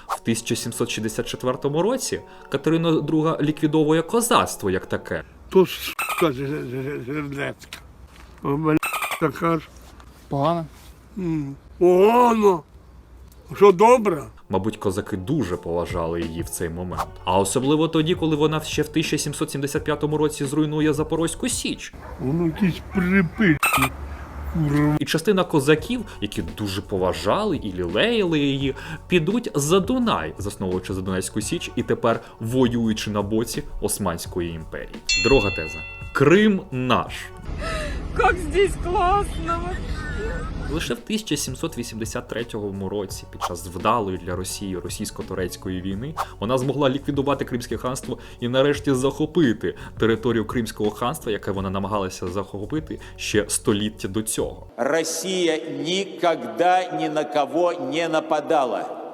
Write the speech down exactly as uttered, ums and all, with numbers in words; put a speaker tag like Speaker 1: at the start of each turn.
Speaker 1: В тисяча сімсот шістдесят четвертому році Катерина друга ліквідовує козацтво як таке.
Speaker 2: То сука жердецька. О, бля, така ж.
Speaker 3: Погано?
Speaker 2: М, Погано. Що добре?
Speaker 1: Мабуть, козаки дуже поважали її в цей момент. А особливо тоді, коли вона ще в тисяча сімсот сімдесят п'ятому році зруйнує Запорозьку Січ.
Speaker 2: Воно якісь припи. Курва.
Speaker 1: І частина козаків, які дуже поважали і лілеяли її, підуть за Дунай, засновуючи Задунайську Січ і тепер воюючи на боці Османської імперії. Друга теза. Крим наш.
Speaker 4: Как здесь классно!
Speaker 1: Лише в тисяча сімсот вісімдесят третьому році, під час вдалої для Росії російсько-турецької війни, вона змогла ліквідувати Кримське ханство і нарешті захопити територію Кримського ханства, яке вона намагалася захопити ще століття до цього.
Speaker 5: Росія ніколи ні на кого не нападала.